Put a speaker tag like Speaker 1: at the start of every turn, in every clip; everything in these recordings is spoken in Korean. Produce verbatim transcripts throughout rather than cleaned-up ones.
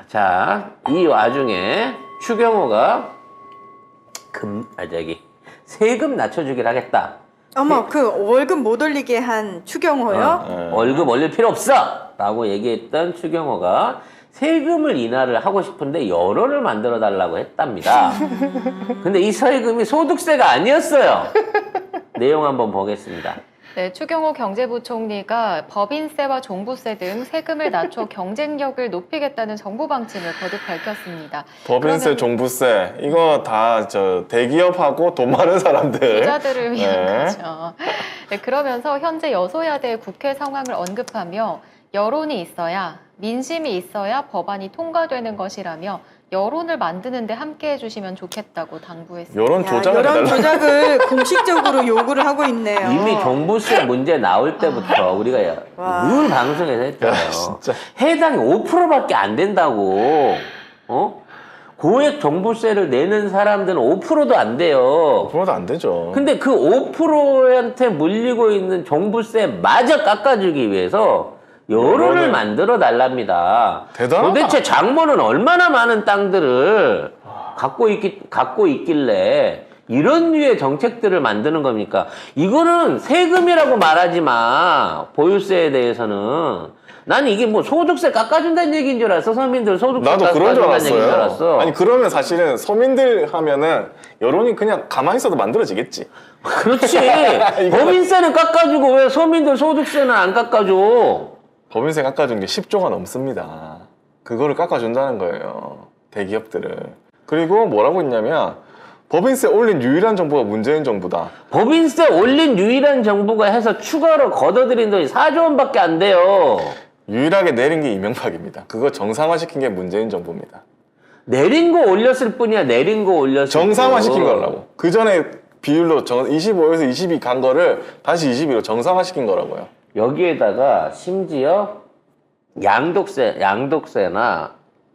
Speaker 1: 자, 이 와중에 추경호가 금, 아, 저기, 세금 낮춰주기를 하겠다.
Speaker 2: 어머, 그 월급 못 올리게 한 추경호요?
Speaker 1: 어, 월급 올릴 필요 없어! 라고 얘기했던 추경호가 세금을 인하를 하고 싶은데 여론을 만들어 달라고 했답니다. 근데 이 세금이 소득세가 아니었어요. 내용 한번 보겠습니다.
Speaker 3: 네, 추경호 경제부총리가 법인세와 종부세 등 세금을 낮춰 경쟁력을 높이겠다는 정부 방침을 거듭 밝혔습니다.
Speaker 4: 법인세,
Speaker 3: 그러면
Speaker 4: 종부세 이거 다 저 대기업하고 돈 많은 사람들
Speaker 3: 부자들을 위한
Speaker 4: 네.
Speaker 3: 거죠. 네, 그러면서 현재 여소야대 국회 상황을 언급하며 여론이 있어야, 민심이 있어야 법안이 통과되는 것이라며 여론을 만드는데 함께 해주시면 좋겠다고 당부했습니다.
Speaker 4: 여론
Speaker 2: 야,
Speaker 4: 조작을
Speaker 2: 여론
Speaker 4: 해달라.
Speaker 2: 조작을 공식적으로 요구를 하고 있네요.
Speaker 1: 이미 종부세 문제 나올 때부터 우리가
Speaker 2: 와.
Speaker 1: 늘 방송에서 했잖아요.
Speaker 4: 야, 진짜.
Speaker 1: 해당이 오 퍼센트밖에 안 된다고. 어? 고액 종부세를 내는 사람들은 오 퍼센트도 안 돼요.
Speaker 4: 그러도 안 되죠.
Speaker 1: 근데 그 오 퍼센트한테 물리고 있는 종부세마저 깎아주기 위해서 여론을
Speaker 4: 여론을-
Speaker 1: 만들어 달랍니다.
Speaker 4: 대단하다.
Speaker 1: 도대체 장모는 얼마나 많은 땅들을 갖고 있기, 갖고 있길래 이런 류의 정책들을 만드는 겁니까? 이거는 세금이라고 말하지 마. 보유세에 대해서는. 난 이게 뭐 소득세 깎아준다는 얘기인 줄 알았어. 서민들 소득세
Speaker 4: 나도 그런 줄
Speaker 1: 깎아준다는 얘기인 줄
Speaker 4: 알았어요.
Speaker 1: 알았어.
Speaker 4: 아니 그러면 사실은 서민들 하면은 여론이 그냥 가만히 있어도 만들어지겠지.
Speaker 1: 그렇지. 법인세는 깎아주고 왜 서민들 소득세는 안 깎아줘?
Speaker 4: 법인세 깎아준 게 십 조가 넘습니다. 그거를 깎아준다는 거예요. 대기업들을. 그리고 뭐라고 했냐면 법인세 올린 유일한 정부가 문재인 정부다.
Speaker 1: 법인세 올린 유일한 정부가 해서 추가로 걷어들인 돈이 사조 원밖에 안 돼요.
Speaker 4: 유일하게 내린 게 이명박입니다. 그거 정상화시킨 게 문재인 정부입니다.
Speaker 1: 내린 거 올렸을 뿐이야. 내린 거 올렸을
Speaker 4: 정상화시킨
Speaker 1: 뿐.
Speaker 4: 거라고. 그 전에 비율로 정, 이십오에서 이십이 간 거를 다시 이십이로 정상화시킨 거라고요.
Speaker 1: 여기에다가 심지어 양도세, 양도세나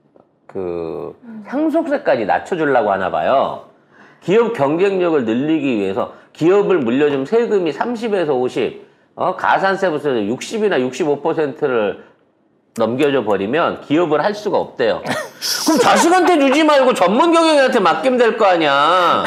Speaker 1: 그 상속세까지 낮춰주려고 하나 봐요. 기업 경쟁력을 늘리기 위해서 기업을 물려준 세금이 삼십에서 오십, 어, 가산세부터 육십이나 육십오 퍼센트를 넘겨줘 버리면 기업을 할 수가 없대요. 그럼 자식한테 주지 말고 전문 경영인한테 맡기면 될 거 아니야.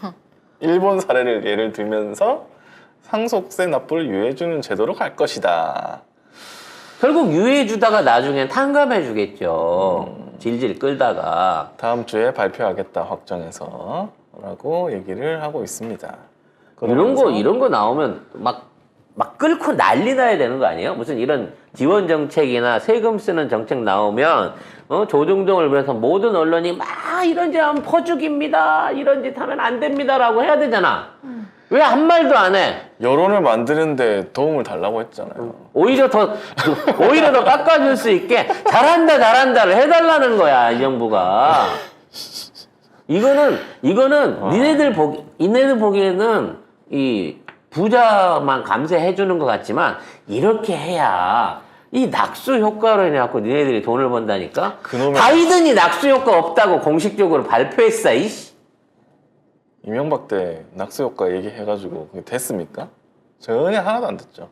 Speaker 4: 일본 사례를 예를 들면서 상속세 납부를 유예해주는 제도로 갈 것이다.
Speaker 1: 결국 유예해주다가 나중엔 탕감해주겠죠. 질질 끌다가.
Speaker 4: 다음 주에 발표하겠다 확정해서 라고 얘기를 하고 있습니다.
Speaker 1: 이런 거,
Speaker 4: 그러면서
Speaker 1: 이런 거 나오면 막, 막 끌고 난리 나야 되는 거 아니에요? 무슨 이런 지원 정책이나 세금 쓰는 정책 나오면, 어, 조중동을 위해서 모든 언론이 막 이런 짓 하면 퍼주기입니다. 이런 짓 하면 안 됩니다라고 해야 되잖아. 왜 한 말도 안 해?
Speaker 4: 여론을 만드는데 도움을 달라고 했잖아요.
Speaker 1: 오히려 더, 오히려 더 깎아줄 수 있게 잘한다, 잘한다를 해달라는 거야, 이 정부가. 이거는, 이거는 니네들 보기, 니네들 보기에는 이 부자만 감세해주는 것 같지만 이렇게 해야 이 낙수 효과로 인해갖고 니네들이 돈을 번다니까?
Speaker 4: 그놈의-
Speaker 1: 바이든이 낙수 효과 없다고 공식적으로 발표했어, 이씨.
Speaker 4: 이명박 때 낙수 효과 얘기해가지고 그게 됐습니까? 전혀 하나도 안 됐죠.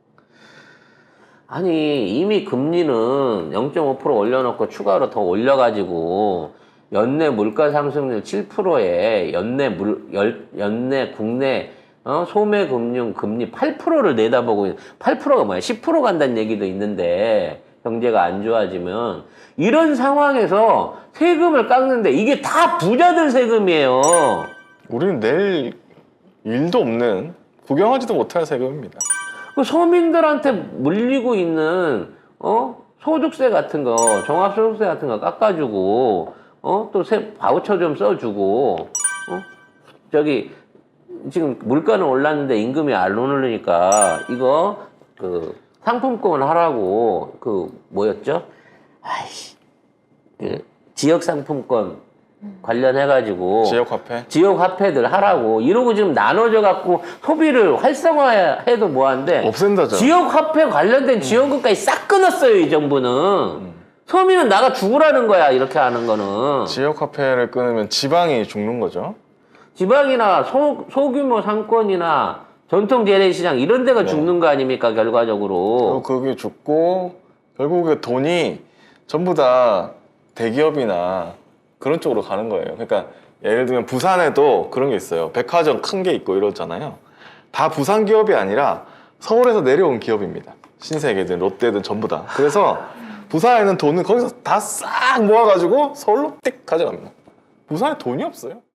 Speaker 1: 아니, 이미 금리는 영 점 오 퍼센트 올려놓고 추가로 더 올려가지고 연내 물가 상승률 칠 퍼센트에 연내 물, 열, 연내 국내 어? 소매 금융 금리 팔 퍼센트를 내다보고 있는, 팔 퍼센트가 뭐야? 십 퍼센트 간다는 얘기도 있는데 경제가 안 좋아지면 이런 상황에서 세금을 깎는데 이게 다 부자들 세금이에요.
Speaker 4: 우리는 내일 일도 없는 구경하지도 못할 세금입니다.
Speaker 1: 그 서민들한테 물리고 있는 어 소득세 같은 거, 종합소득세 같은 거 깎아주고 어 또 세 바우처 좀 써주고 어 저기 지금 물가는 올랐는데 임금이 안 오르니까 이거 그 상품권 하라고 그 뭐였죠? 아이씨 그 지역 상품권 관련해가지고
Speaker 4: 지역화폐?
Speaker 1: 지역 화폐들 하라고 이러고 지금 나눠져 갖고 소비를 활성화해도 뭐한데
Speaker 4: 없앤다죠.
Speaker 1: 지역 화폐 관련된 지원금까지 싹 끊었어요 이 정부는.
Speaker 4: 음.
Speaker 1: 서민은 나가 죽으라는 거야 이렇게 하는 거는.
Speaker 4: 지역화폐를 끊으면 지방이 죽는 거죠.
Speaker 1: 지방이나 소, 소규모 상권이나 전통 재래시장 이런 데가
Speaker 4: 네.
Speaker 1: 죽는 거 아닙니까 결과적으로.
Speaker 4: 그리고 그게 죽고 결국에 돈이 전부 다 대기업이나 그런 쪽으로 가는 거예요. 그러니까 예를 들면 부산에도 그런 게 있어요. 백화점 큰 게 있고 이러잖아요. 다 부산 기업이 아니라 서울에서 내려온 기업입니다. 신세계든 롯데든 전부 다. 그래서 부산에 있는 돈은 거기서 다 싹 모아가지고 서울로 띡 가져갑니다. 부산에 돈이 없어요.